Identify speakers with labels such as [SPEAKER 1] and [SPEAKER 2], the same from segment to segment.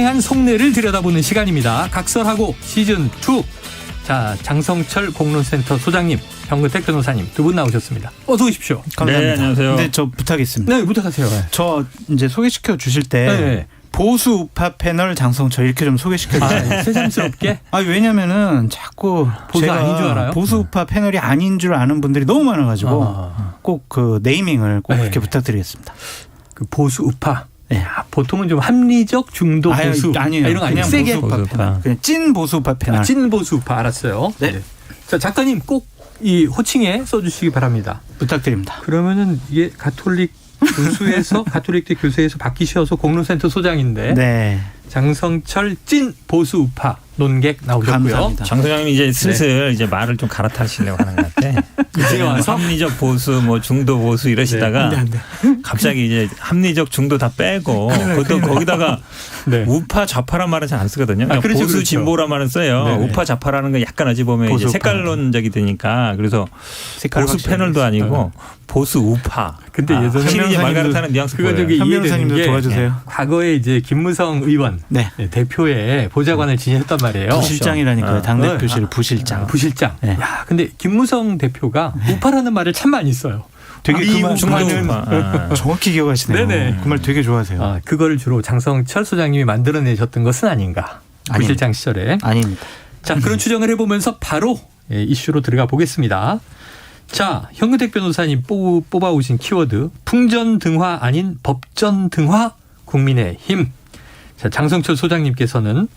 [SPEAKER 1] 다양한 속내를 들여다보는 시간입니다. 각설하고 시즌2. 자, 장성철 공론센터 소장님, 현근택 변호사님 두 분 나오셨습니다. 어서 오십시오.
[SPEAKER 2] 감사합니다.
[SPEAKER 3] 네, 안녕하세요.
[SPEAKER 2] 근데 저 부탁있습니다.
[SPEAKER 1] 네, 부탁하세요.
[SPEAKER 2] 저 이제 소개시켜 주실 때
[SPEAKER 1] 네.
[SPEAKER 2] 보수 우파 패널 장성철 이렇게 좀 소개시켜 주세요.
[SPEAKER 1] 새삼스럽게.
[SPEAKER 2] 왜냐면은 자꾸
[SPEAKER 1] 보수
[SPEAKER 2] 제가
[SPEAKER 1] 아닌 줄 알아요?
[SPEAKER 2] 보수 우파 패널이 아닌 줄 아는 분들이 너무 많아가지고 꼭 그 네이밍을 꼭
[SPEAKER 1] 네.
[SPEAKER 2] 그렇게 부탁드리겠습니다.
[SPEAKER 1] 그 보수 우파.
[SPEAKER 2] 네.
[SPEAKER 1] 보통은 좀 합리적 중도 보수.
[SPEAKER 2] 아니에요.
[SPEAKER 1] 이런 거 아니에요?
[SPEAKER 2] 그냥
[SPEAKER 1] 세게.
[SPEAKER 2] 보수 우파 패널. 그냥 찐 보수 우파 패널.
[SPEAKER 1] 찐 보수 우파 알았어요.
[SPEAKER 2] 네.
[SPEAKER 1] 자, 작가님 꼭 이 호칭에 써주시기 바랍니다.
[SPEAKER 2] 부탁드립니다.
[SPEAKER 1] 그러면은 이게 가톨릭 교수에서 가톨릭대 교수에서 바뀌셔서 공론센터 소장인데
[SPEAKER 2] 네.
[SPEAKER 1] 장성철 찐 보수 우파 논객 나오셨고요.
[SPEAKER 2] 감사합니다.
[SPEAKER 3] 장 소장님이 이제 슬슬 이제 말을 좀 갈아타시려고 하는 것 같아.
[SPEAKER 1] 이제 와서
[SPEAKER 3] 합리적 보수, 뭐 중도 보수 이러시다가 갑자기 이제 합리적 중도 다 빼고 보통 거기다가
[SPEAKER 1] 네.
[SPEAKER 3] 우파 좌파란 말은 잘 안 쓰거든요. 그러니까
[SPEAKER 1] 그렇죠,
[SPEAKER 3] 보수
[SPEAKER 1] 그렇죠.
[SPEAKER 3] 진보란 말은 써요.
[SPEAKER 1] 네네.
[SPEAKER 3] 우파 좌파라는 건 약간 어찌 보면 이제
[SPEAKER 2] 보수
[SPEAKER 3] 색깔론적이 되니까 그래서
[SPEAKER 2] 색깔
[SPEAKER 3] 보수 패널도 아니고 보수 우파.
[SPEAKER 1] 근데 예전에
[SPEAKER 3] 확실히 이제 말 갈아타는 뉘앙스
[SPEAKER 1] 그거
[SPEAKER 3] 보여요.
[SPEAKER 1] 저기
[SPEAKER 2] 현
[SPEAKER 1] 이해되는
[SPEAKER 2] 변호사님도
[SPEAKER 1] 게
[SPEAKER 2] 도와주세요.
[SPEAKER 1] 과거에 이제 김무성 의원
[SPEAKER 2] 네.
[SPEAKER 1] 대표의 보좌관을 지냈단 말이에요.
[SPEAKER 2] 부실장이라니까요. 당대표실
[SPEAKER 1] 네.
[SPEAKER 2] 부실장.
[SPEAKER 1] 부실장.
[SPEAKER 2] 네.
[SPEAKER 1] 야, 근데 김무성 대표가 우파라는 말을 참 많이 써요.
[SPEAKER 2] 되게 그 말
[SPEAKER 3] 중도 우파.
[SPEAKER 2] 정확히 기억하시네요.
[SPEAKER 1] 네네.
[SPEAKER 2] 그 말 되게 좋아하세요.
[SPEAKER 1] 그거를 주로 장성철 소장님이 만들어내셨던 것은 아닌가. 부실장 시절에.
[SPEAKER 2] 아닙니다.
[SPEAKER 1] 자, 그런 추정을 해보면서 바로 이슈로 들어가 보겠습니다. 자, 현근택 변호사님 뽑아오신 키워드 풍전등화 아닌 법전등화 국민의힘. 자, 장성철 소장님께서는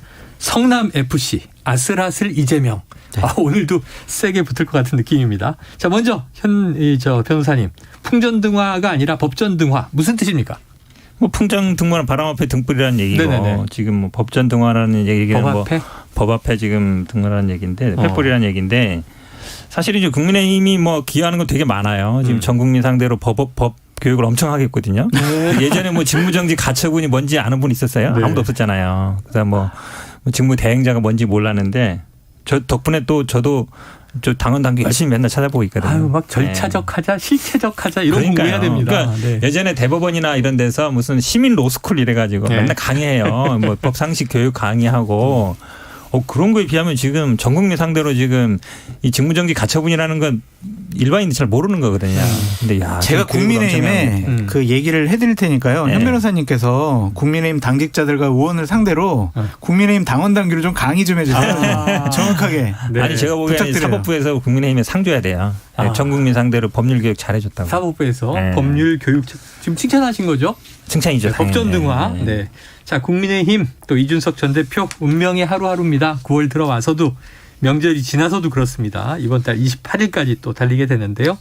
[SPEAKER 1] 성남FC 아슬아슬 이재명.
[SPEAKER 2] 네.
[SPEAKER 1] 오늘도 세게 붙을 것 같은 느낌입니다. 자, 먼저 저 변호사님 풍전등화가 아니라 법전등화 무슨 뜻입니까?
[SPEAKER 3] 뭐 풍정 등화는 바람 앞에 등불이라는 얘기고
[SPEAKER 1] 네네네.
[SPEAKER 3] 지금 뭐 법전 등화라는 얘기는
[SPEAKER 1] 법 앞에?
[SPEAKER 3] 법 앞에 지금 등화라는 얘기인데 횃불이라는 얘기인데 사실 이제 국민의힘이 뭐 기여하는 건 되게 많아요. 지금 전 국민 상대로 법 교육을 엄청 하겠거든요. 예전에 뭐 직무정지 가처분이 뭔지 아는 분 있었어요?
[SPEAKER 1] 네.
[SPEAKER 3] 아무도 없었잖아요. 그다음 뭐 직무 대행자가 뭔지 몰랐는데 저 덕분에 또 저도 저 당원 당규 열심히 맨날 찾아보고 있거든요.
[SPEAKER 1] 막 절차적 하자, 실체적 하자 이런
[SPEAKER 3] 그러니까요.
[SPEAKER 1] 공부해야 됩니다.
[SPEAKER 3] 그러니까
[SPEAKER 1] 네.
[SPEAKER 3] 예전에 대법원이나 이런 데서 무슨 시민 로스쿨 이래가지고
[SPEAKER 1] 네.
[SPEAKER 3] 맨날 강의해요. 뭐 법 상식 교육 강의하고 그런 거에 비하면 지금 전 국민 상대로 지금 이 직무정지 가처분이라는 건 일반인들 잘 모르는 거거든요. 근데 야,
[SPEAKER 2] 제가 국민의힘에 그 얘기를 해드릴 테니까요.
[SPEAKER 3] 네.
[SPEAKER 2] 현 변호사님께서 국민의힘 당직자들과 의원을 상대로 국민의힘 당원 당규를 좀 강의 좀 해주세요. 정확하게.
[SPEAKER 1] 네.
[SPEAKER 3] 아니 제가 보기에는
[SPEAKER 2] 부탁드려요.
[SPEAKER 3] 사법부에서 국민의힘에 상 줘야 돼요. 전 국민 상대로 법률 교육 잘해줬다고.
[SPEAKER 1] 사법부에서
[SPEAKER 3] 네.
[SPEAKER 1] 법률 교육 지금 칭찬하신 거죠?
[SPEAKER 3] 칭찬이죠.
[SPEAKER 1] 네, 법전 등화.
[SPEAKER 3] 네.
[SPEAKER 1] 네. 자, 국민의힘 또 이준석 전 대표 운명의 하루하루입니다. 9월 들어와서도 명절이 지나서도 그렇습니다. 이번 달 28일까지 또 달리게 되는데요.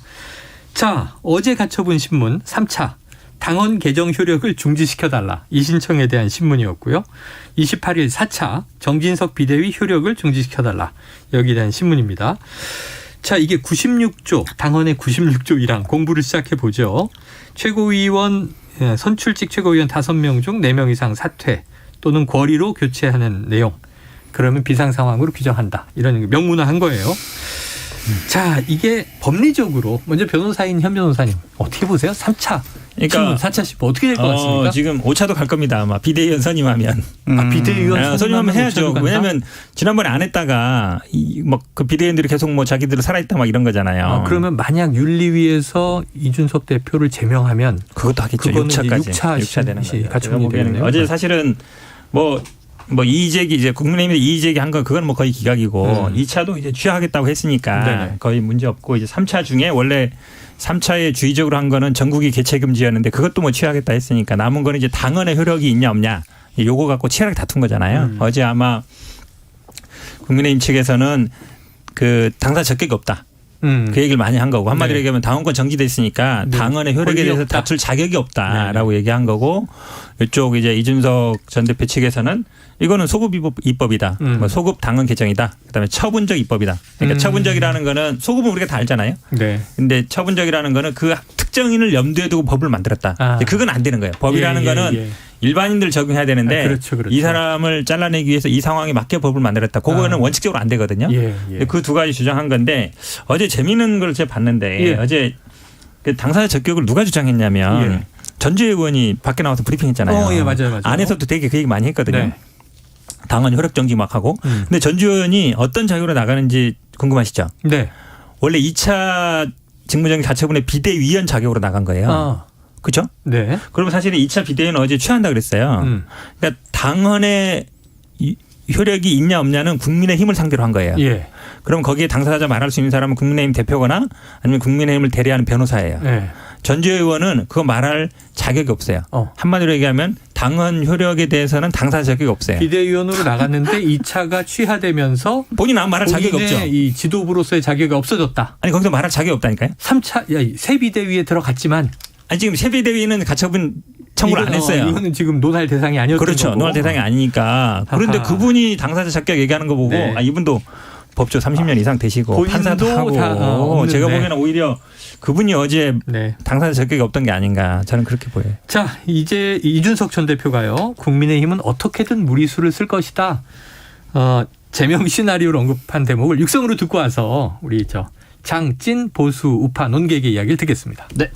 [SPEAKER 1] 자, 어제 가처분 신문 3차 당원 개정 효력을 중지시켜달라. 이 신청에 대한 신문이었고요. 28일 4차 정진석 비대위 효력을 중지시켜달라. 여기에 대한 신문입니다. 자, 이게 96조 당헌의 96조 1항 공부를 시작해 보죠. 최고위원 선출직 최고위원 5명 중 4명 이상 사퇴 또는 권리로 교체하는 내용. 그러면 비상 상황으로 규정한다. 이런 명문화한 거예요. 자, 이게 법리적으로 먼저 변호사인 현 변호사님 어떻게 보세요? 3차
[SPEAKER 3] 그러니까
[SPEAKER 1] 4차 10 어떻게 될 것 같습니까?
[SPEAKER 3] 지금 5차도 갈 겁니다. 아마 비대위원 선임하면.
[SPEAKER 1] 비대위원
[SPEAKER 3] 선임하면 해야죠. 왜냐하면 지난번에 안 했다가 그 비대위원들이 계속 뭐 자기들 살아있다 막 이런 거잖아요.
[SPEAKER 1] 그러면 만약 윤리위에서 이준석 대표를 제명하면
[SPEAKER 3] 그것도 하겠죠.
[SPEAKER 1] 그거는
[SPEAKER 3] 6차까지.
[SPEAKER 1] 6차
[SPEAKER 3] 되는 거죠.
[SPEAKER 1] 가처분이 되겠네요.
[SPEAKER 3] 어제 사실은 뭐 이의제기 이제 국민의힘이 이의제기 한 건 그건 뭐 거의 기각이고 2차도 이제 취하하겠다고 했으니까
[SPEAKER 1] 네네.
[SPEAKER 3] 거의 문제 없고 이제 3차 중에 원래 3차에 주의적으로 한 거는 전국이 개최금지였는데 그것도 뭐 취하겠다 했으니까 남은 거는 이제 당헌의 효력이 있냐 없냐 요거 갖고 치열하게 다툰 거잖아요. 어제 아마 국민의힘 측에서는 그 당사 적격이 없다. 그 얘기를 많이 한 거고 한마디로
[SPEAKER 1] 네.
[SPEAKER 3] 얘기하면 당원권 정지돼 있으니까
[SPEAKER 1] 네.
[SPEAKER 3] 당헌의 효력에 대해서
[SPEAKER 1] 없다.
[SPEAKER 3] 다툴 자격이 없다라고
[SPEAKER 1] 네.
[SPEAKER 3] 얘기한 거고 이쪽 이제 이준석 전 대표 측에서는 이거는 소급 입법이다. 뭐 소급 당헌 개정이다. 그다음에 처분적 입법이다. 그러니까 처분적이라는 거는 소급은 우리가 다 알잖아요.
[SPEAKER 1] 네.
[SPEAKER 3] 근데 처분적이라는 거는 그 특정인을 염두에 두고 법을 만들었다. 근데 그건 안 되는 거예요. 법이라는 거는 일반인들 적용해야 되는데
[SPEAKER 1] 그렇죠.
[SPEAKER 3] 이 사람을 잘라내기 위해서 이 상황에 맞게 법을 만들었다. 그거는 원칙적으로 안 되거든요. 그 두 가지 주장한 건데 어제 재미있는 걸 제가 봤는데 어제 그 당사자 적격을 누가 주장했냐면 전주혜 의원이 밖에 나와서 브리핑했잖아요.
[SPEAKER 1] 맞아요.
[SPEAKER 3] 안에서도 되게 그 얘기 많이 했거든요.
[SPEAKER 1] 네.
[SPEAKER 3] 당헌 효력 정지 막 하고. 근데 전주현 의원이 어떤 자격으로 나가는지 궁금하시죠?
[SPEAKER 1] 네.
[SPEAKER 3] 원래 2차 직무정지 가처분의 비대위원 자격으로 나간 거예요. 그렇죠?
[SPEAKER 1] 네.
[SPEAKER 3] 그러면 사실은 2차 비대위는 어제 취한다 그랬어요. 그러니까 당헌의 효력이 있냐 없냐는 국민의힘을 상대로 한 거예요.
[SPEAKER 1] 예.
[SPEAKER 3] 그럼 거기에 당사자 말할 수 있는 사람은 국민의힘 대표거나 아니면 국민의힘을 대리하는 변호사예요.
[SPEAKER 1] 예.
[SPEAKER 3] 전주현 의원은 그거 말할 자격이 없어요. 한마디로 얘기하면 당헌 효력에 대해서는 당사자 자격이 없어요.
[SPEAKER 1] 비대위원으로 나갔는데 2차가 취하되면서
[SPEAKER 3] 본인 아무 말할 자격이 없죠.
[SPEAKER 1] 이 지도부로서의 자격이 없어졌다.
[SPEAKER 3] 아니 거기서 말할 자격이 없다니까요.
[SPEAKER 1] 3차 새 비대위에 들어갔지만
[SPEAKER 3] 아니 지금 새 비대위는 가처분 청구를 안 했어요.
[SPEAKER 1] 이거는 지금 논할 대상이 아니었던
[SPEAKER 3] 그렇죠.
[SPEAKER 1] 거고.
[SPEAKER 3] 논할 대상이 아니니까. 그런데
[SPEAKER 1] 아하.
[SPEAKER 3] 그분이 당사자 자격 얘기하는 거 보고
[SPEAKER 1] 네.
[SPEAKER 3] 이분도 법조 30년 이상 되시고
[SPEAKER 1] 본인도
[SPEAKER 3] 판사도 하고
[SPEAKER 1] 다 없는데.
[SPEAKER 3] 제가 보기에는 오히려 그분이 어제
[SPEAKER 1] 네.
[SPEAKER 3] 당사자 자격이 없던 게 아닌가 저는 그렇게 보여요.
[SPEAKER 1] 자, 이제 이준석 전 대표가요. 국민의힘은 어떻게든 무리수를 쓸 것이다. 제명 시나리오를 언급한 대목을 육성으로 듣고 와서 우리 장찐 보수 우파 논객의 이야기를 듣겠습니다.
[SPEAKER 4] 네.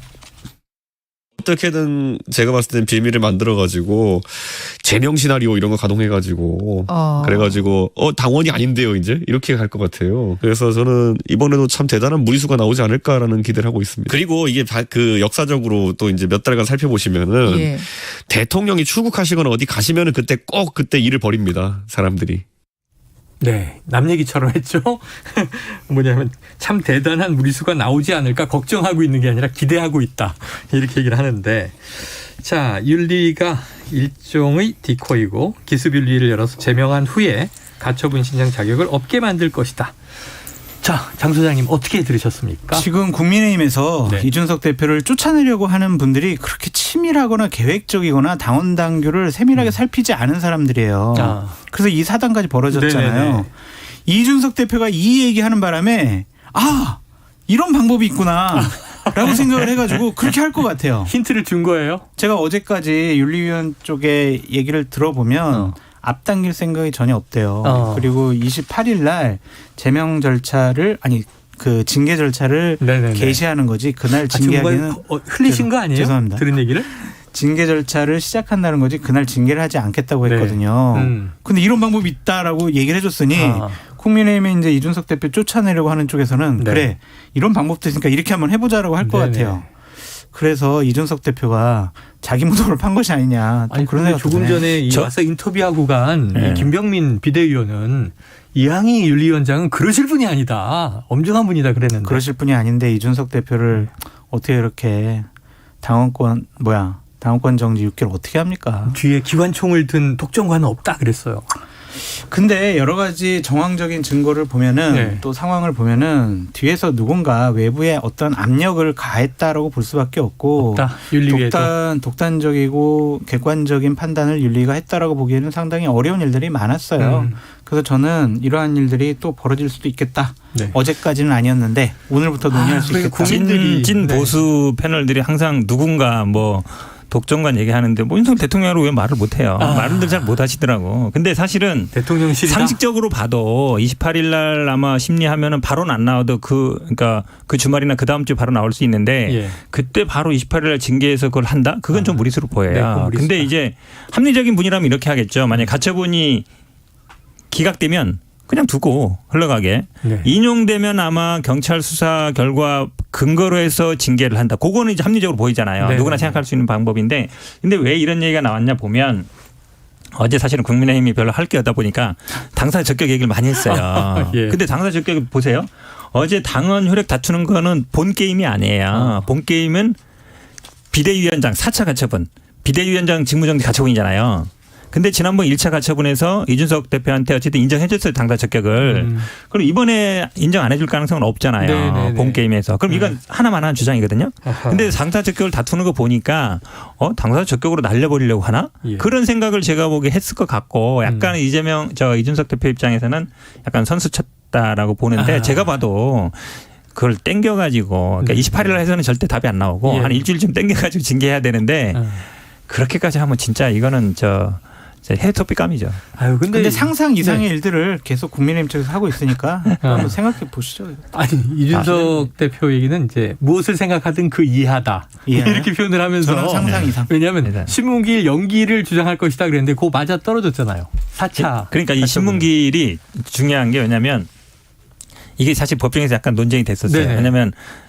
[SPEAKER 4] 어떻게든 제가 봤을 땐 빌미를 만들어가지고 제명 시나리오 이런 거 가동해가지고 그래가지고 당원이 아닌데요 이제 이렇게 갈 것 같아요. 그래서 저는 이번에도 참 대단한 무리수가 나오지 않을까라는 기대를 하고 있습니다. 그리고 이게 그 역사적으로 또 이제 몇 달간 살펴보시면은
[SPEAKER 5] 예.
[SPEAKER 4] 대통령이 출국하시거나 어디 가시면은 그때 꼭 그때 일을 벌입니다 사람들이.
[SPEAKER 1] 네, 남 얘기처럼 했죠. 뭐냐면 참 대단한 무리수가 나오지 않을까 걱정하고 있는 게 아니라 기대하고 있다. 이렇게 얘기를 하는데 자, 윤리가 일종의 디코이고 기습윤리를 열어서 제명한 후에 가처분 신청 자격을 없게 만들 것이다. 자, 장 소장님 어떻게 들으셨습니까?
[SPEAKER 2] 지금 국민의힘에서
[SPEAKER 1] 네.
[SPEAKER 2] 이준석 대표를 쫓아내려고 하는 분들이 그렇게 치밀하거나 계획적이거나 당원 당규를 세밀하게 살피지 않은 사람들이에요. 그래서 이 사단까지 벌어졌잖아요.
[SPEAKER 1] 네네네.
[SPEAKER 2] 이준석 대표가 이 얘기하는 바람에 이런 방법이 있구나 라고 생각을 해가지고 그렇게 할 것 같아요.
[SPEAKER 1] 힌트를 준 거예요?
[SPEAKER 2] 제가 어제까지 윤리위원 쪽에 얘기를 들어보면 앞당길 생각이 전혀 없대요. 그리고 28일 날 제명 절차를 그 징계 절차를
[SPEAKER 1] 네네네.
[SPEAKER 2] 개시하는 거지 그날
[SPEAKER 1] 지금
[SPEAKER 2] 징계하기는
[SPEAKER 1] 흘리신 거 아니에요?
[SPEAKER 2] 죄송합니다.
[SPEAKER 1] 들은 얘기를?
[SPEAKER 2] 징계 절차를 시작한다는 거지 그날 징계를 하지 않겠다고
[SPEAKER 1] 네.
[SPEAKER 2] 했거든요. 근데 이런 방법이 있다라고 얘기를 해줬으니 국민의힘이 이제 이준석 대표 쫓아내려고 하는 쪽에서는
[SPEAKER 1] 네.
[SPEAKER 2] 그래 이런 방법도 있으니까 이렇게 한번 해보자라고 할 것
[SPEAKER 1] 네네.
[SPEAKER 2] 같아요. 그래서 이준석 대표가 자기 무덤을 판 것이 아니냐. 또
[SPEAKER 1] 아니
[SPEAKER 2] 그런
[SPEAKER 1] 그런데
[SPEAKER 2] 생각도
[SPEAKER 1] 조금
[SPEAKER 2] 드네.
[SPEAKER 1] 전에 와서 인터뷰하고 간
[SPEAKER 3] 네.
[SPEAKER 1] 이 김병민 비대위원은 이항희 윤리위원장은 그러실 분이 아니다. 엄중한 분이다 그랬는데.
[SPEAKER 2] 그러실 분이 아닌데 이준석 대표를 어떻게 이렇게 당원권 정지 6개월 어떻게 합니까?
[SPEAKER 1] 뒤에 기관총을 든 독점관은 없다 그랬어요.
[SPEAKER 2] 근데 여러 가지 정황적인 증거를 보면은
[SPEAKER 1] 네.
[SPEAKER 2] 또 상황을 보면은 뒤에서 누군가 외부에 어떤 압력을 가했다라고 볼 수밖에 없고
[SPEAKER 1] 없다. 윤리위에도.
[SPEAKER 2] 독단적이고 객관적인 판단을 윤리가 했다라고 보기에는 상당히 어려운 일들이 많았어요. 그래서 저는 이러한 일들이 또 벌어질 수도 있겠다.
[SPEAKER 1] 네.
[SPEAKER 2] 어제까지는 아니었는데 오늘부터 논의할 수
[SPEAKER 1] 그러니까
[SPEAKER 2] 있겠다.
[SPEAKER 1] 국민들이
[SPEAKER 3] 찐
[SPEAKER 1] 네.
[SPEAKER 3] 보수 패널들이 항상 누군가 독점관 얘기하는데 윤석열 대통령으로 왜 말을 못해요. 말을 잘 못하시더라고. 근데 사실은
[SPEAKER 1] 대통령실이다.
[SPEAKER 3] 상식적으로 봐도 28일 날 아마 심리하면은 바로는 안 나와도 그러니까 그 주말이나 그 다음 주 바로 나올 수 있는데
[SPEAKER 1] 예.
[SPEAKER 3] 그때 바로 28일 날 징계해서 그걸 한다? 그건 좀 무리수로
[SPEAKER 1] 네,
[SPEAKER 3] 보여요.
[SPEAKER 1] 그건 무리수다.
[SPEAKER 3] 근데 이제 합리적인 분이라면 이렇게 하겠죠. 만약 가처분이 기각되면 그냥 두고 흘러가게.
[SPEAKER 1] 네.
[SPEAKER 3] 인용되면 아마 경찰 수사 결과 근거로 해서 징계를 한다. 그거는 이제 합리적으로 보이잖아요.
[SPEAKER 1] 네.
[SPEAKER 3] 누구나 생각할 수 있는 방법인데 근데 왜 이런 얘기가 나왔냐 보면 어제 사실은 국민의힘이 별로 할 게 없다 보니까 당사자 적격 얘기를 많이 했어요.
[SPEAKER 1] 예.
[SPEAKER 3] 근데 당사자 적격 보세요. 어제 당헌 효력 다투는 거는 본 게임이 아니에요. 본 게임은 비대위원장 4차 가처분. 비대위원장 직무정지 가처분이잖아요. 근데 지난번 1차 가처분에서 이준석 대표한테 어쨌든 인정해 줬어요. 당사 적격을. 그럼 이번에 인정 안 해줄 가능성은 없잖아요.
[SPEAKER 1] 네네네.
[SPEAKER 3] 본 게임에서. 그럼 이건 하나만 하는 주장이거든요.
[SPEAKER 1] 아하.
[SPEAKER 3] 근데 당사 적격을 다투는 거 보니까 당사 적격으로 날려버리려고 하나?
[SPEAKER 1] 예.
[SPEAKER 3] 그런 생각을 제가 보기에 했을 것 같고 약간 이준석 대표 입장에서는 약간 선수 쳤다라고 보는데 제가 봐도 그걸 땡겨가지고 그러니까 28일 해서는 절대 답이 안 나오고
[SPEAKER 1] 예.
[SPEAKER 3] 한 일주일쯤 땡겨가지고 징계해야 되는데 그렇게까지 하면 진짜 이거는 해토피감이죠.
[SPEAKER 1] 아유,
[SPEAKER 2] 근데 상상 이상의
[SPEAKER 1] 네.
[SPEAKER 2] 일들을 계속 국민의힘 쪽에서 하고 있으니까 한번 생각해 보시죠.
[SPEAKER 1] 아니 이준석 대표 얘기는 이제 무엇을 생각하든 그 이하다 이렇게 표현을 하면서
[SPEAKER 2] 저는 상상 이상.
[SPEAKER 1] 왜냐하면 신문기일 연기를 주장할 것이다 그랬는데 그거 맞아 떨어졌잖아요. 4차.
[SPEAKER 3] 그러니까 이 신문기일이 중요한 게 왜냐하면 이게 사실 법정에서 약간 논쟁이 됐었어요.
[SPEAKER 1] 네네.
[SPEAKER 3] 왜냐하면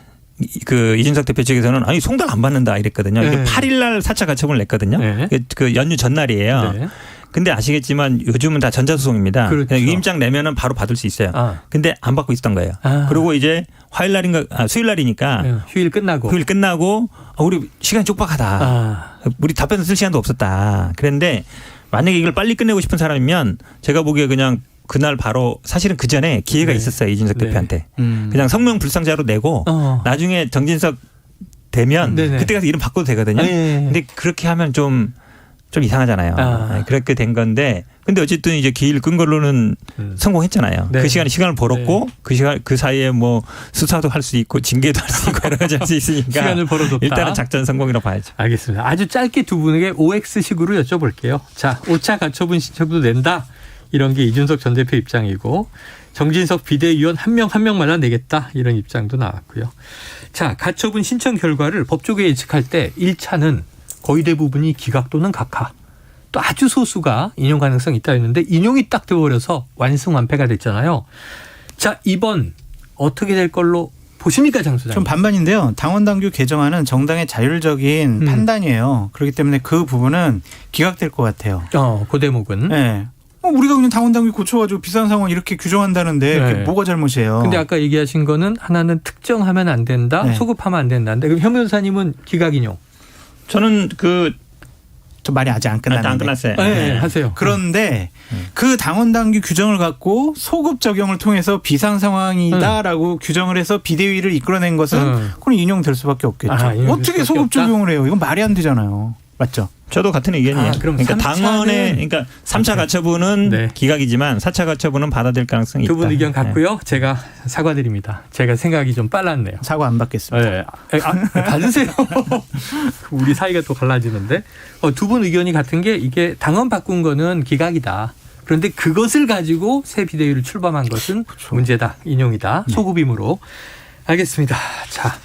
[SPEAKER 3] 그 이준석 대표 측에서는 아니 송달 안 받는다 이랬거든요. 이게 8일 날 4차 가처분을 냈거든요.
[SPEAKER 1] 네.
[SPEAKER 3] 그 연휴 전날이에요.
[SPEAKER 1] 네.
[SPEAKER 3] 근데 아시겠지만 요즘은 다 전자소송입니다.
[SPEAKER 1] 그렇죠.
[SPEAKER 3] 위임장 내면은 바로 받을 수 있어요. 근데 안 받고 있었던 거예요. 그리고 이제 화요일 날인가 수요일 날이니까
[SPEAKER 1] 휴일 끝나고
[SPEAKER 3] 우리 시간이 촉박하다. 우리 답변 쓸 시간도 없었다. 그런데 만약에 이걸 빨리 끝내고 싶은 사람이면 제가 보기에 그냥 그날 바로 사실은 그 전에 기회가 있었어요. 이준석 대표한테. 그냥 성명 불상자로 내고 나중에 정진석 되면 그때 가서 이름 바꿔도 되거든요. 근데 그렇게 하면 좀 이상하잖아요. 그렇게 된 건데 근데 어쨌든 이제 기일 끈 걸로는 성공했잖아요.
[SPEAKER 1] 네.
[SPEAKER 3] 그 시간에 시간을 벌었고 그 사이에 뭐 수사도 할 수 있고 징계도 할 수 있고 여러 가지 할 수 있으니까
[SPEAKER 1] 시간을 벌어뒀다.
[SPEAKER 3] 일단은 작전 성공이라고 봐야죠.
[SPEAKER 1] 알겠습니다. 아주 짧게 두 분에게 OX식으로 여쭤볼게요. 자, 5차 가처분 신청도 낸다. 이런 게 이준석 전 대표 입장이고 정진석 비대위원 한 명마다 내겠다. 이런 입장도 나왔고요. 자, 가처분 신청 결과를 법조계 예측할 때 1차는 거의 대부분이 기각 또는 각하. 또 아주 소수가 인용 가능성이 있다 했는데 인용이 딱 돼버려서 완승완패가 됐잖아요. 자, 이번 어떻게 될 걸로 보십니까, 장 소장님?
[SPEAKER 2] 좀 반반인데요. 당원당규 개정안은 정당의 자율적인 판단이에요. 그렇기 때문에 그 부분은 기각될 것 같아요.
[SPEAKER 1] 그 대목은.
[SPEAKER 2] 네. 우리가 그냥 당원당규 고쳐가지고 비싼 상원 이렇게 규정한다는데 그게 뭐가 잘못이에요.
[SPEAKER 1] 근데 아까 얘기하신 거는 하나는 특정하면 안 된다,
[SPEAKER 2] 네.
[SPEAKER 1] 소급하면 안 된다는데 그럼 현 변호사님은 기각 인용.
[SPEAKER 3] 저는
[SPEAKER 2] 저 말이 아직 안 끝났는데.
[SPEAKER 3] 안 끝났어요.
[SPEAKER 1] 네, 하세요.
[SPEAKER 2] 그런데 그 당원당규 규정을 갖고 소급 적용을 통해서 비상 상황이다라고 규정을 해서 비대위를 이끌어낸 것은 그건 인용될 수밖에 없겠죠. 어떻게 소급 적용을 해요? 이건 말이 안 되잖아요. 맞죠?
[SPEAKER 3] 저도 같은 의견이에요.
[SPEAKER 1] 그럼
[SPEAKER 3] 그러니까 당원의 그러니까 3차 가처분은 기각이지만 4차 가처분은 받아들일 가능성이 있다.
[SPEAKER 1] 두 분 의견 같고요. 제가 사과드립니다. 제가 생각이 좀 빨랐네요.
[SPEAKER 2] 사과 안 받겠습니다.
[SPEAKER 1] 네. 받으세요. 우리 사이가 또 갈라지는데 두 분 의견이 같은 게 이게 당원 바꾼 거는 기각이다. 그런데 그것을 가지고 새 비대위를 출범한 것은 문제다. 인용이다. 소급임으로. 알겠습니다. 자,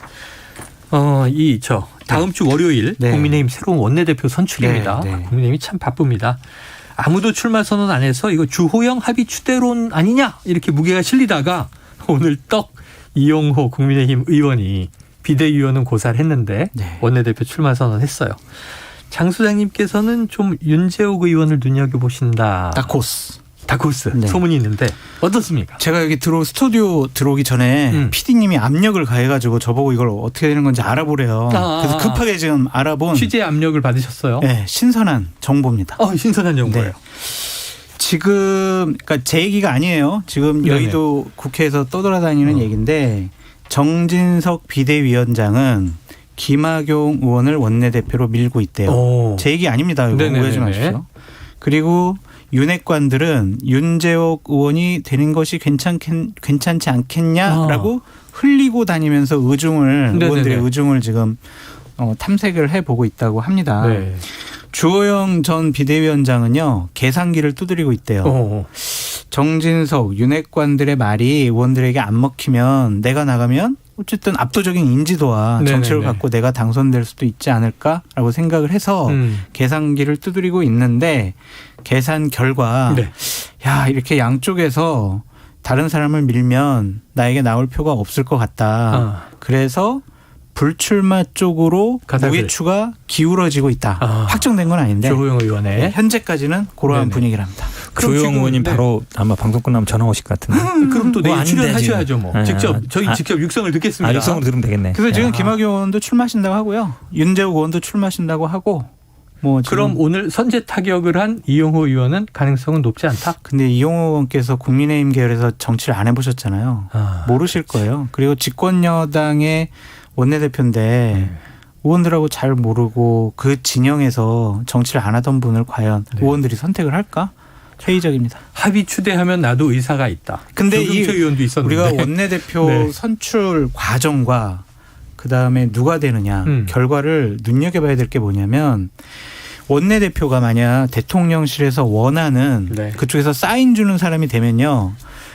[SPEAKER 1] 다음 주 월요일 국민의힘 새로운 원내대표 선출입니다. 국민의힘이 참 바쁩니다. 아무도 출마 선언 안 해서 이거 주호영 합의 추대론 아니냐 이렇게 무게가 실리다가 오늘 떡 이용호 국민의힘 의원이 비대위원은 고사를 했는데 원내대표 출마 선언했어요. 장 소장님께서는 좀 윤재욱 의원을 눈여겨보신다. 다코스 소문이 있는데 어떻습니까?
[SPEAKER 2] 제가 여기 스튜디오 들어오기 전에 PD님이 압력을 가해가지고 저보고 이걸 어떻게 되는 건지 알아보래요. 그래서 급하게 지금 알아본
[SPEAKER 1] 취재 압력을 받으셨어요?
[SPEAKER 2] 네, 신선한 정보입니다.
[SPEAKER 1] 신선한 정보예요.
[SPEAKER 2] 네. 지금 그러니까 제 얘기가 아니에요. 지금 여의도 국회에서 떠돌아다니는 얘기인데 정진석 비대위원장은 김학용 의원을 원내대표로 밀고 있대요. 제 얘기 아닙니다. 이거 오해하지 마십시오. 그리고 윤핵관들은 윤재욱 의원이 되는 것이 괜찮지 않겠냐라고 흘리고 다니면서 의원들의 의중을 지금 탐색을 해보고 있다고 합니다. 주호영 전 비대위원장은요. 계산기를 두드리고 있대요. 정진석, 윤핵관들의 말이 의원들에게 안 먹히면 내가 나가면 어쨌든 압도적인 인지도와 정치를 갖고 내가 당선될 수도 있지 않을까라고 생각을 해서 계산기를 두드리고 있는데 계산 결과 야 이렇게 양쪽에서 다른 사람을 밀면 나에게 나올 표가 없을 것 같다. 그래서 불출마 쪽으로 무게추가 기울어지고 있다. 확정된 건 아닌데
[SPEAKER 1] 주호영 의원의
[SPEAKER 2] 현재까지는 그러한 분위기랍니다.
[SPEAKER 3] 주호영 의원님 바로 아마 방송 끝나면 전화 오실 것 같은데.
[SPEAKER 1] 그럼 또 내일 출연하셔야죠. 뭐. 직접 육성을 듣겠습니다.
[SPEAKER 3] 육성으로 들으면 되겠네.
[SPEAKER 2] 그래서 지금 김학용 의원도 출마하신다고 하고요. 윤재욱 의원도 출마하신다고 하고
[SPEAKER 1] 그럼 오늘 선제 타격을 한 이용호 의원은 가능성은 높지 않다?
[SPEAKER 2] 근데 이용호 의원께서 국민의힘 계열에서 정치를 안 해보셨잖아요. 모르실 거예요. 그리고 집권여당의 원내대표인데 의원들하고 잘 모르고 그 진영에서 정치를 안 하던 분을 과연 의원들이 선택을 할까? 회의적입니다.
[SPEAKER 1] 합의 추대하면 나도 의사가 있다.
[SPEAKER 2] 근데
[SPEAKER 1] 의원도 있었는데.
[SPEAKER 2] 우리가 원내대표 선출 과정과 그다음에 누가 되느냐 결과를 눈여겨봐야 될 게 뭐냐면 원내대표가 만약 대통령실에서 원하는
[SPEAKER 1] 네.
[SPEAKER 2] 그쪽에서 사인 주는 사람이 되면요.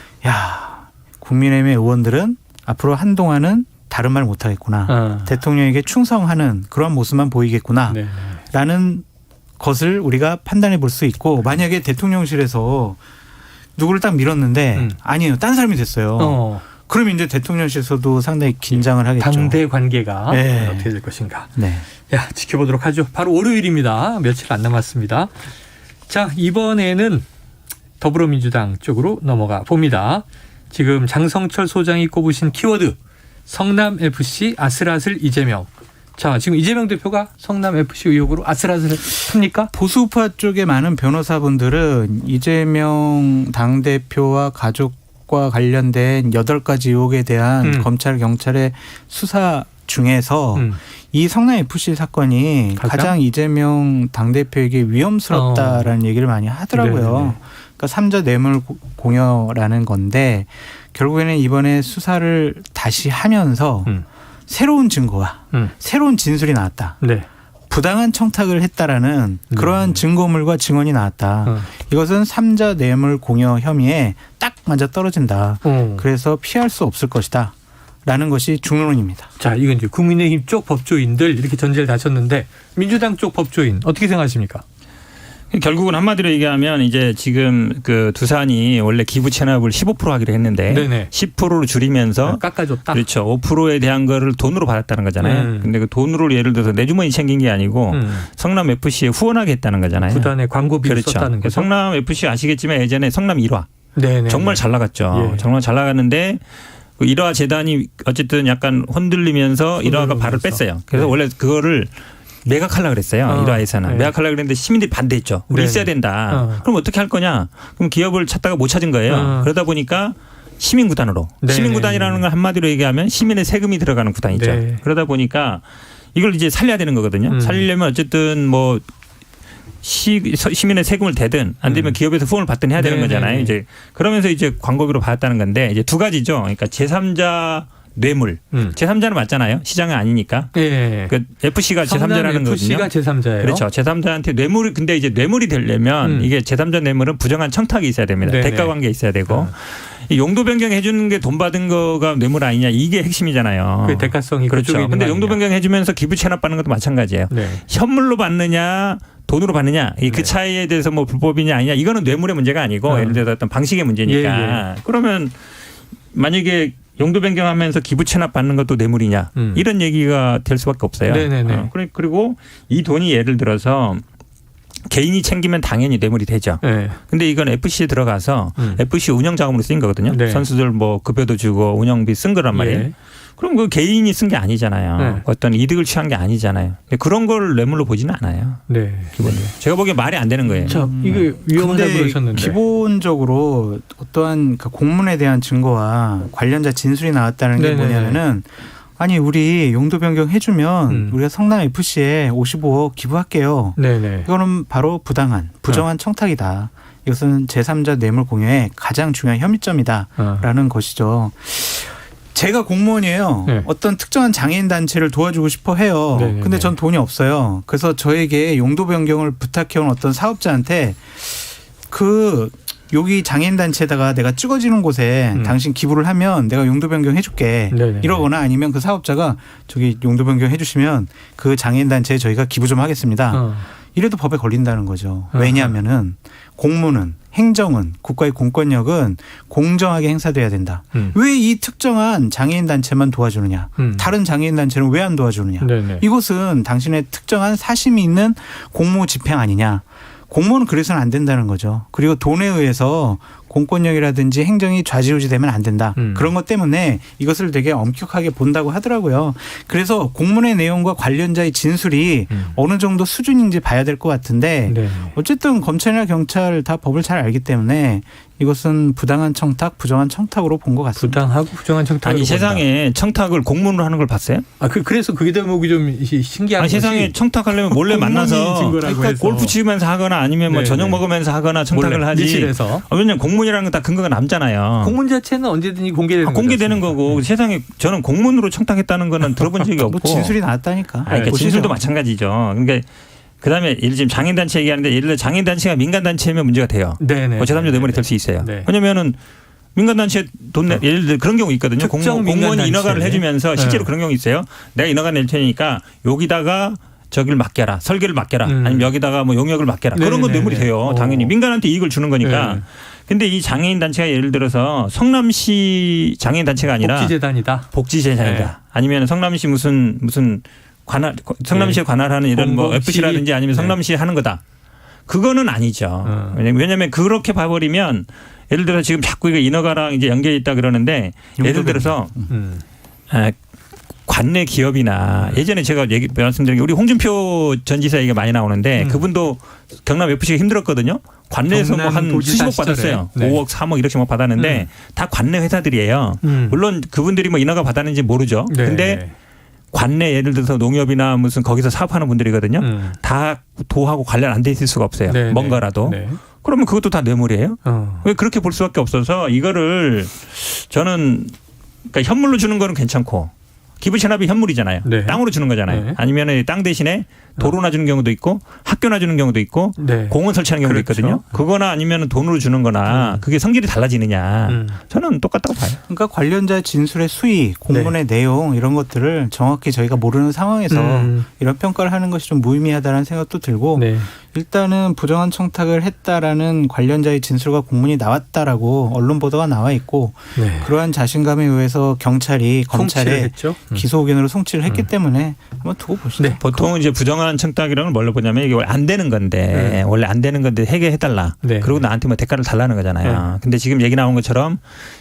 [SPEAKER 2] 야, 국민의힘의 의원들은 앞으로 한동안은 다른 말 못하겠구나. 대통령에게 충성하는 그런 모습만 보이겠구나.
[SPEAKER 1] 네.
[SPEAKER 2] 라는 것을 우리가 판단해 볼 수 있고 만약에 대통령실에서 누구를 딱 밀었는데 아니에요. 딴 사람이 됐어요. 그럼 이제 대통령실에서도 상당히 긴장을 하겠죠.
[SPEAKER 1] 당대 관계가
[SPEAKER 2] 네.
[SPEAKER 1] 어떻게 될 것인가.
[SPEAKER 2] 네.
[SPEAKER 1] 야, 지켜보도록 하죠. 바로 월요일입니다. 며칠 안 남았습니다. 자, 이번에는 더불어민주당 쪽으로 넘어가 봅니다. 지금 장성철 소장이 꼽으신 키워드 성남FC 아슬아슬 이재명. 자, 지금 이재명 대표가 성남FC 의혹으로 아슬아슬 합니까?
[SPEAKER 2] 보수파 쪽의 많은 변호사분들은 이재명 당대표와 가족과 관련된 8가지 의혹에 대한 검찰 경찰의 수사 중에서 이 성남FC 사건이 가장 이재명 당대표에게 위험스럽다라는 얘기를 많이 하더라고요.
[SPEAKER 1] 네네.
[SPEAKER 2] 그러니까 삼자 뇌물 공여라는 건데 결국에는 이번에 수사를 다시 하면서 새로운 증거와 새로운 진술이 나왔다.
[SPEAKER 1] 네.
[SPEAKER 2] 부당한 청탁을 했다라는 그러한 증거물과 증언이 나왔다. 이것은 삼자 뇌물 공여 혐의에 딱 맞아 떨어진다. 그래서 피할 수 없을 것이다. 라는 것이 중론입니다.
[SPEAKER 1] 자, 이건 이제 국민의힘 쪽 법조인들 이렇게 전제를 다셨는데 민주당 쪽 법조인 어떻게 생각하십니까?
[SPEAKER 3] 결국은 한마디로 얘기하면 이제 지금 그 두산이 원래 기부 체납을 15% 하기로 했는데
[SPEAKER 1] 네네.
[SPEAKER 3] 10%로 줄이면서
[SPEAKER 1] 깎아줬다.
[SPEAKER 3] 그렇죠. 5%에 대한 거를 돈으로 받았다는 거잖아요. 근데 그 돈으로 예를 들어서 내 주머니 챙긴 게 아니고 성남 FC에 후원하게 했다는 거잖아요.
[SPEAKER 1] 구단의 광고비를
[SPEAKER 3] 그렇죠.
[SPEAKER 1] 썼다는 거죠.
[SPEAKER 3] 성남 FC 아시겠지만 예전에 성남 1화
[SPEAKER 1] 네네.
[SPEAKER 3] 정말 잘 나갔죠.
[SPEAKER 1] 예.
[SPEAKER 3] 정말 잘 나갔는데 그 1화 재단이 어쨌든 약간 흔들리면서 1화가 발을 뺐어요. 그래서
[SPEAKER 1] 네.
[SPEAKER 3] 원래 그거를 매각하려고 그랬어요. 1화에서는.
[SPEAKER 1] 네.
[SPEAKER 3] 매각하려고 그랬는데 시민들이 반대했죠. 우리
[SPEAKER 1] 네네.
[SPEAKER 3] 있어야 된다. 그럼 어떻게 할 거냐. 그럼 기업을 찾다가 못 찾은 거예요. 그러다 보니까 시민구단으로.
[SPEAKER 1] 네네.
[SPEAKER 3] 시민구단이라는 걸 한마디로 얘기하면 시민의 세금이 들어가는 구단이죠.
[SPEAKER 1] 네.
[SPEAKER 3] 그러다 보니까 이걸 이제 살려야 되는 거거든요. 살리려면 어쨌든 뭐 시민의 세금을 대든 안 되면 기업에서 후원을 받든 해야 되는 거잖아요. 이제 그러면서 이제 광고비로 받았다는 건데 이제 두 가지죠. 그러니까 제3자 뇌물. 제3자는 맞잖아요. 시장은 아니니까.
[SPEAKER 1] 예.
[SPEAKER 3] 그 FC가 제3자라는 거거든요.
[SPEAKER 1] FC가 제3자예요.
[SPEAKER 3] 그렇죠. 제3자한테 뇌물 근데 이제 뇌물이 되려면 이게 제3자 뇌물은 부정한 청탁이 있어야 됩니다.
[SPEAKER 1] 네네.
[SPEAKER 3] 대가 관계 있어야 되고. 이 용도 변경해 주는 게 돈 받은 거가 뇌물 아니냐 이게 핵심이잖아요.
[SPEAKER 1] 그 대가성이 그쪽에
[SPEAKER 3] 그렇죠.
[SPEAKER 1] 있는
[SPEAKER 3] 근데
[SPEAKER 1] 거
[SPEAKER 3] 용도
[SPEAKER 1] 아니냐.
[SPEAKER 3] 변경해 주면서 기부 체납 받는 것도 마찬가지예요.
[SPEAKER 1] 네.
[SPEAKER 3] 현물로 받느냐 돈으로 받느냐 그 차이에 대해서 뭐 불법이냐 아니냐 이거는 뇌물의 문제가 아니고 예를 들어서 어떤 방식의 문제니까 그러면 만약에 용도 변경하면서 기부 체납 받는 것도 뇌물이냐 이런 얘기가 될 수밖에 없어요.
[SPEAKER 1] 네네네.
[SPEAKER 3] 그리고 이 돈이 예를 들어서 개인이 챙기면 당연히 뇌물이 되죠.
[SPEAKER 1] 네.
[SPEAKER 3] 근데 이건 FC에 들어가서 FC 운영 자금으로 쓰인 거거든요.
[SPEAKER 1] 네.
[SPEAKER 3] 선수들 뭐 급여도 주고 운영비 쓴 거란 말이에요.
[SPEAKER 1] 예.
[SPEAKER 3] 그럼 그 개인이 쓴 게 아니잖아요.
[SPEAKER 1] 네.
[SPEAKER 3] 어떤 이득을 취한 게 아니잖아요. 그런 걸 뇌물로 보지는 않아요.
[SPEAKER 1] 네.
[SPEAKER 3] 기본적으로. 제가 보기엔 말이 안 되는 거예요.
[SPEAKER 1] 자, 이게 위험하다고
[SPEAKER 2] 근데
[SPEAKER 1] 그러셨는데.
[SPEAKER 2] 기본적으로 어떠한 그 공문에 대한 증거와 관련자 진술이 나왔다는 게
[SPEAKER 1] 네네네.
[SPEAKER 2] 뭐냐면은 아니 우리 용도 변경 해주면 우리가 성남 FC에 55억 기부할게요.
[SPEAKER 1] 네네.
[SPEAKER 2] 이거는 바로 부당한 부정한 청탁이다. 이것은 제3자 뇌물 공여의 가장 중요한 혐의점이다라는 것이죠. 제가 공무원이에요.
[SPEAKER 1] 네.
[SPEAKER 2] 어떤 특정한 장애인 단체를 도와주고 싶어 해요.
[SPEAKER 1] 네네네.
[SPEAKER 2] 근데 전 돈이 없어요. 그래서 저에게 용도 변경을 부탁해온 어떤 사업자한테 그 여기 장애인 단체에다가 내가 찍어지는 곳에 당신 기부를 하면 내가 용도 변경 해줄게.
[SPEAKER 1] 네네.
[SPEAKER 2] 이러거나 아니면 그 사업자가 저기 용도 변경 해주시면 그 장애인 단체에 저희가 기부 좀 하겠습니다. 이래도 법에 걸린다는 거죠. 왜냐하면은 공무는 행정은 국가의 공권력은 공정하게 행사돼야 된다. 왜 이 특정한 장애인 단체만 도와주느냐. 다른 장애인 단체는 왜 안 도와주느냐.
[SPEAKER 1] 네네.
[SPEAKER 2] 이것은 당신의 특정한 사심이 있는 공무 집행 아니냐. 공무원은 그래서는 안 된다는 거죠. 그리고 돈에 의해서 공권력이라든지 행정이 좌지우지되면 안 된다. 그런 것 때문에 이것을 되게 엄격하게 본다고 하더라고요. 그래서 공문의 내용과 관련자의 진술이 어느 정도 수준인지 봐야 될 것 같은데
[SPEAKER 1] 네.
[SPEAKER 2] 어쨌든 검찰이나 경찰 다 법을 잘 알기 때문에 이것은 부당한 청탁, 부정한 청탁으로 본 것 같습니다.
[SPEAKER 1] 부당하고 부정한 청탁을
[SPEAKER 3] 아니 세상에 청탁을 공문으로 하는 걸 봤어요?
[SPEAKER 1] 그래서 그게 대목이 좀 신기한
[SPEAKER 3] 아니
[SPEAKER 1] 것이
[SPEAKER 3] 세상에 청탁하려면 몰래 만나서
[SPEAKER 1] 증거라고 해서.
[SPEAKER 3] 골프 치면서 하거나 아니면 뭐
[SPEAKER 1] 네,
[SPEAKER 3] 저녁
[SPEAKER 1] 네.
[SPEAKER 3] 먹으면서 하거나 청탁을
[SPEAKER 1] 몰래,
[SPEAKER 3] 하지.
[SPEAKER 1] 밀실에서.
[SPEAKER 3] 왜냐면 공문이라는 건 다 근거가 남잖아요.
[SPEAKER 1] 공문 자체는 언제든지 공개되는
[SPEAKER 3] 공개되는
[SPEAKER 1] 거지
[SPEAKER 3] 거고 세상에 저는 공문으로 청탁했다는 거는 들어본 적이 없고.
[SPEAKER 2] 뭐 진술이 나왔다니까.
[SPEAKER 3] 아니, 그러니까
[SPEAKER 2] 보시죠.
[SPEAKER 3] 진술도 마찬가지죠. 그러니까 그다음에 예를 지금 장애인단체 얘기하는데 예를 들어 장애인단체가 민간단체면 문제가 돼요.
[SPEAKER 1] 네네.
[SPEAKER 3] 제3자 뇌물이 될 수 있어요.
[SPEAKER 1] 네.
[SPEAKER 3] 왜냐면은 민간단체 돈 내, 예를 들어 그런 경우 있거든요.
[SPEAKER 1] 특정
[SPEAKER 3] 공무원이
[SPEAKER 1] 민간단체.
[SPEAKER 3] 인허가를 해주면서 실제로
[SPEAKER 1] 네.
[SPEAKER 3] 그런 경우 있어요. 내가 인허가 낼 테니까 여기다가 저기를 맡겨라. 설계를 맡겨라. 아니면 여기다가 뭐 용역을 맡겨라. 그런 건
[SPEAKER 1] 네네네.
[SPEAKER 3] 뇌물이 돼요. 당연히 민간한테 이익을 주는 거니까.
[SPEAKER 1] 네.
[SPEAKER 3] 근데 이 장애인 단체가 예를 들어서 성남시 장애인 단체가 아니라
[SPEAKER 1] 복지재단이다.
[SPEAKER 3] 복지재단이다.
[SPEAKER 1] 네.
[SPEAKER 3] 아니면 성남시 무슨 관할 성남시에 관할하는 이런 뭐
[SPEAKER 1] 공공시.
[SPEAKER 3] FC라든지 아니면
[SPEAKER 1] 네.
[SPEAKER 3] 성남시에 하는 거다. 그거는 아니죠. 왜냐하면 그렇게 봐버리면 예를 들어 지금 자꾸 이거 인허가랑 이제 연결이 있다 그러는데 예를 들어서 관내 기업이나 예전에 제가 말씀드린 게 우리 홍준표 전 지사 얘기가 많이 나오는데 그분도 경남 FC가 힘들었거든요. 관내에서 뭐 한
[SPEAKER 1] 경남도지사
[SPEAKER 3] 수십억 받았어요.
[SPEAKER 1] 시절에. 네.
[SPEAKER 3] 5억, 3억 이렇게 막 받았는데 다 관내 회사들이에요. 물론 그분들이 뭐 인허가 받았는지 모르죠.
[SPEAKER 1] 네.
[SPEAKER 3] 근데 관내 예를 들어서 농협이나 무슨 거기서 사업하는 분들이거든요. 다 도하고 관련 안 돼 있을 수가 없어요.
[SPEAKER 1] 네,
[SPEAKER 3] 뭔가라도.
[SPEAKER 1] 네.
[SPEAKER 3] 그러면 그것도 다 뇌물이에요. 왜 그렇게 볼 수밖에 없어서 이거를 저는 그러니까 현물로 주는 거는 괜찮고 기부 체납이 현물이잖아요.
[SPEAKER 1] 네.
[SPEAKER 3] 땅으로 주는 거잖아요.
[SPEAKER 1] 네.
[SPEAKER 3] 아니면 땅 대신에 도로나 주는 경우도 있고 학교나 주는 경우도 있고
[SPEAKER 1] 네.
[SPEAKER 3] 공원 설치하는 경우도
[SPEAKER 1] 그렇죠.
[SPEAKER 3] 있거든요. 그거나 아니면 돈으로 주는 거나 그게 성질이 달라지느냐. 저는 똑같다고 봐요.
[SPEAKER 2] 그러니까 관련자 진술의 수위, 공문의
[SPEAKER 1] 네.
[SPEAKER 2] 내용 이런 것들을 정확히 저희가 모르는 상황에서 이런 평가를 하는 것이 좀 무의미하다는 생각도 들고
[SPEAKER 1] 네.
[SPEAKER 2] 일단은 부정한 청탁을 했다라는 관련자의 진술과 공문이 나왔다라고 언론 보도가 나와 있고
[SPEAKER 1] 네.
[SPEAKER 2] 그러한 자신감에 의해서 경찰이
[SPEAKER 1] 송치를
[SPEAKER 2] 검찰에
[SPEAKER 1] 했죠.
[SPEAKER 2] 기소 의견으로 송치를 했기 때문에 한번 두고 보시죠.
[SPEAKER 1] 네.
[SPEAKER 3] 보통은 이제 부정한 청탁이라는 걸 뭘로 보냐면 이게 원래 안 되는 건데 원래 안 되는 건데 해결해달라.
[SPEAKER 1] 네.
[SPEAKER 3] 그리고 나한테 뭐 대가를 달라는 거잖아요. 근데 지금 얘기 나온 것처럼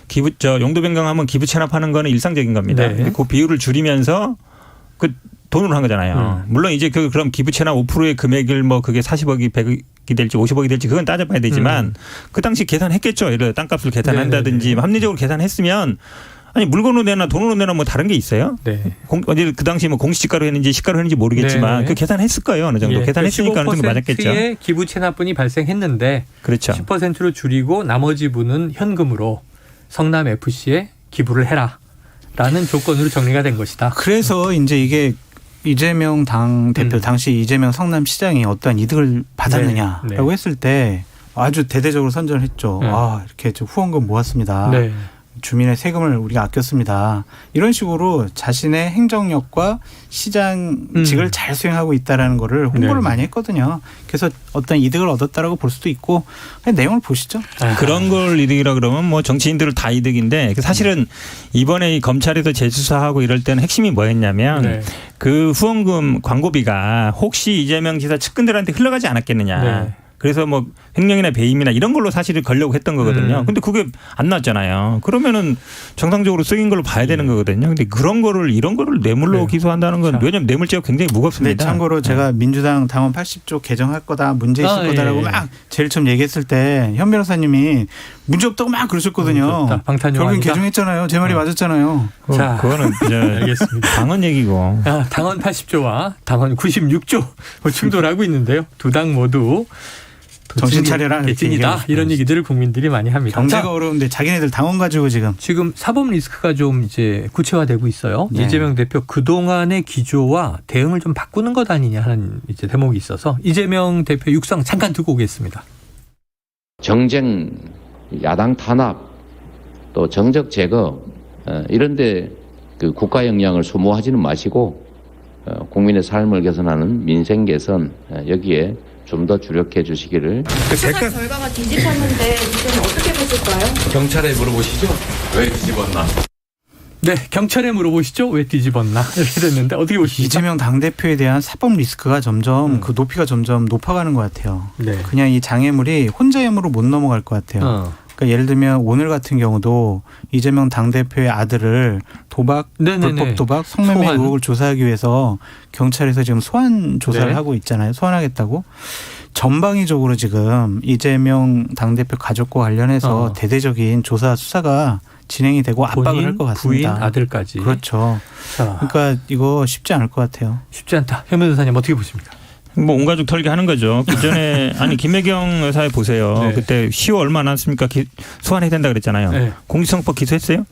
[SPEAKER 3] 용도 변경하면 기부 체납하는 거는 일상적인 겁니다.
[SPEAKER 1] 네.
[SPEAKER 3] 근데 그 비율을 줄이면서 그 돈으로 한 거잖아요. 물론 이제 그럼 기부 체납 5%의 금액을 뭐 그게 40억이 100억이 될지 50억이 될지 그건 따져봐야 되지만 그 당시 계산했겠죠. 예를 들어 땅값을 계산한다든지
[SPEAKER 1] 네네네.
[SPEAKER 3] 합리적으로 계산했으면 아니 물건으로 내나 돈으로 내나 뭐 다른 게 있어요?
[SPEAKER 1] 네.
[SPEAKER 3] 어디 그 당시 뭐 공시지가로 했는지 시가로 했는지 모르겠지만
[SPEAKER 1] 네네.
[SPEAKER 3] 그 계산했을 거예요. 어느 정도.
[SPEAKER 1] 예.
[SPEAKER 3] 계산했으니까 어느 정도 맞았겠죠.
[SPEAKER 1] 15%의 기부 체납분이 발생했는데
[SPEAKER 3] 그렇죠.
[SPEAKER 1] 10%로 줄이고 나머지 분은 현금으로 성남 FC에 기부를 해라라는 조건으로 정리가 된 것이다.
[SPEAKER 2] 그래서 이제 이게 이재명 당 대표 당시 이재명 성남시장이 어떠한 이득을 받았느냐라고
[SPEAKER 1] 네. 네.
[SPEAKER 2] 했을 때 아주 대대적으로 선전을 했죠. 아 이렇게 후원금 모았습니다.
[SPEAKER 1] 네.
[SPEAKER 2] 주민의 세금을 우리가 아꼈습니다. 이런 식으로 자신의 행정력과 시장직을 잘 수행하고 있다라는 거를 홍보를
[SPEAKER 1] 네.
[SPEAKER 2] 많이 했거든요. 그래서 어떤 이득을 얻었다라고 볼 수도 있고 그냥 내용을 보시죠.
[SPEAKER 3] 그런 걸 이득이라 그러면 뭐 정치인들은 다 이득인데 사실은 이번에 이 검찰에서 재수사하고 이럴 때는 핵심이 뭐였냐면
[SPEAKER 1] 네.
[SPEAKER 3] 그 후원금 광고비가 혹시 이재명 지사 측근들한테 흘러가지 않았겠느냐.
[SPEAKER 1] 네.
[SPEAKER 3] 그래서 뭐 횡령이나 배임이나 이런 걸로 사실을 걸려고 했던 거거든요. 근데 그게 안 나왔잖아요. 그러면은 정상적으로 쓰인 걸로 봐야 되는 거거든요. 근데 이런 거를 뇌물로
[SPEAKER 1] 네.
[SPEAKER 3] 기소한다는 건 왜냐하면 뇌물죄가 굉장히
[SPEAKER 2] 네,
[SPEAKER 3] 무겁습니다.
[SPEAKER 2] 참고로 제가 민주당 당원 80조 개정할 거다 문제 있을 거다라고
[SPEAKER 1] 예.
[SPEAKER 2] 막 제일 처음 얘기했을 때 현 변호사님이 문제 없다고 막 그러셨거든요.
[SPEAKER 1] 방탄용
[SPEAKER 2] 결국엔
[SPEAKER 1] 아니다.
[SPEAKER 2] 개정했잖아요. 제 말이 맞았잖아요.
[SPEAKER 1] 자,
[SPEAKER 3] 그거는 이제
[SPEAKER 1] 알겠습니다.
[SPEAKER 3] 당헌 얘기고.
[SPEAKER 1] 당원 80조와 당원 96조 충돌하고 있는데요. 두 당 모두
[SPEAKER 2] 정신 차려라, 이렇게
[SPEAKER 1] 개찐이다
[SPEAKER 2] 얘기하고
[SPEAKER 1] 이런 얘기들을 국민들이 많이 합니다.
[SPEAKER 2] 경제가
[SPEAKER 1] 자,
[SPEAKER 2] 어려운데 자기네들 당원 가지고
[SPEAKER 1] 지금 사법 리스크가 좀 이제 구체화되고 있어요.
[SPEAKER 2] 네.
[SPEAKER 1] 이재명 대표 그동안의 기조와 대응을 좀 바꾸는 것 아니냐 하는 이제 대목이 있어서 이재명 대표 육성 잠깐 듣고 오겠습니다.
[SPEAKER 5] 정쟁, 야당 탄압, 또 정적 제거 이런데 그 국가 역량을 소모하지는 마시고 국민의 삶을 개선하는 민생 개선 여기에 좀 더 주력해 주시기를.
[SPEAKER 6] 수사 결과가 뒤집혔는데 이건 어떻게 보실까요?
[SPEAKER 7] 경찰에 물어보시죠. 왜 뒤집었나?
[SPEAKER 1] 네, 경찰에 물어보시죠. 왜 뒤집었나 이렇게 됐는데 어떻게 보십니까?
[SPEAKER 2] 이재명 당대표에 대한 사법 리스크가 점점 그 높이가 점점 높아가는 것 같아요.
[SPEAKER 1] 네.
[SPEAKER 2] 그냥 이 장애물이 혼자의 힘으로 못 넘어갈 것 같아요. 그러니까 예를 들면 오늘 같은 경우도 이재명 당대표의 아들을 도박,
[SPEAKER 1] 네네네.
[SPEAKER 2] 불법 도박, 성매매
[SPEAKER 1] 소환.
[SPEAKER 2] 의혹을 조사하기 위해서 경찰에서 지금 소환 조사를
[SPEAKER 1] 네.
[SPEAKER 2] 하고 있잖아요. 소환하겠다고. 전방위적으로 지금 이재명 당대표 가족과 관련해서 대대적인 조사 수사가 진행이 되고 압박을
[SPEAKER 1] 본인,
[SPEAKER 2] 할 것
[SPEAKER 1] 부인,
[SPEAKER 2] 같습니다.
[SPEAKER 1] 아들까지.
[SPEAKER 2] 그렇죠.
[SPEAKER 1] 자,
[SPEAKER 2] 그러니까 이거 쉽지 않을 것 같아요.
[SPEAKER 1] 쉽지 않다. 현 변호사님 어떻게 보십니까?
[SPEAKER 3] 뭐 온 가족 털기 하는 거죠. 그 전에 아니 김혜경 여사에 보세요.
[SPEAKER 1] 네.
[SPEAKER 3] 그때 10월 얼마 안 남았습니까? 소환해야 된다 그랬잖아요.
[SPEAKER 1] 네.
[SPEAKER 3] 공직선거법 기소했어요?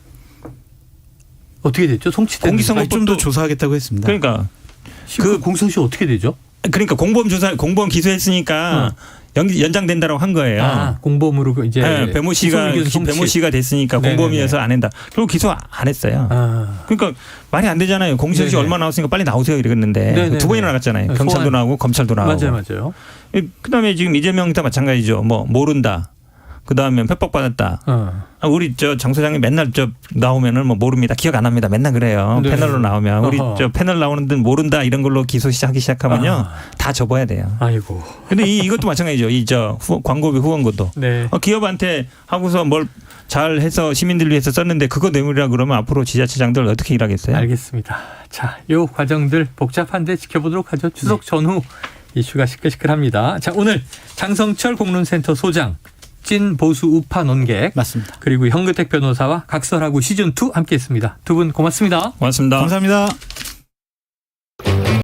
[SPEAKER 1] 어떻게 됐죠? 송치된
[SPEAKER 3] 공직선거-
[SPEAKER 2] 좀 더 조사하겠다고 했습니다.
[SPEAKER 3] 그러니까
[SPEAKER 1] 그 공소시 어떻게 되죠?
[SPEAKER 3] 그러니까 공범 기소했으니까 연장된다라고 한 거예요.
[SPEAKER 1] 아, 공범으로 이제
[SPEAKER 3] 네, 배모 씨가 됐으니까 공범이어서 안 한다. 결국 기소 안 했어요.
[SPEAKER 1] 아.
[SPEAKER 3] 그러니까 말이 안 되잖아요. 공소시
[SPEAKER 1] 네네.
[SPEAKER 3] 얼마 나왔으니까 빨리 나오세요 이랬는데
[SPEAKER 1] 네네네.
[SPEAKER 3] 2번이나 나갔잖아요. 경찰도
[SPEAKER 1] 소환.
[SPEAKER 3] 나오고 검찰도 나오고.
[SPEAKER 1] 맞아요.
[SPEAKER 3] 그다음에 지금 이재명도 마찬가지죠. 뭐 모른다. 그다음에 협박받았다. 우리 장 소장이 맨날 나오면은 뭐 모릅니다. 기억 안 합니다. 맨날 그래요.
[SPEAKER 1] 네.
[SPEAKER 3] 패널로 나오면 우리 패널 나오는 데 모른다 이런 걸로 기소하기 시작하면요. 다 접어야 돼요.
[SPEAKER 1] 아이고.
[SPEAKER 3] 근데 이것도 마찬가지죠. 광고비 후원고도.
[SPEAKER 1] 네.
[SPEAKER 3] 기업한테 하고서 뭘 잘해서 시민들 위해서 썼는데 그거 뇌물이라 그러면 앞으로 지자체장들 어떻게 일하겠어요?
[SPEAKER 1] 알겠습니다. 자, 요 과정들 복잡한데 지켜보도록 하죠. 추석 전후 이슈가 시끌시끌합니다. 자, 오늘 장성철 공론센터 소장, 찐 보수 우파 논객,
[SPEAKER 2] 맞습니다.
[SPEAKER 1] 그리고 현근택 변호사와 각설하고 시즌2 함께했습니다. 두 분 고맙습니다.
[SPEAKER 3] 고맙습니다.
[SPEAKER 2] 감사합니다.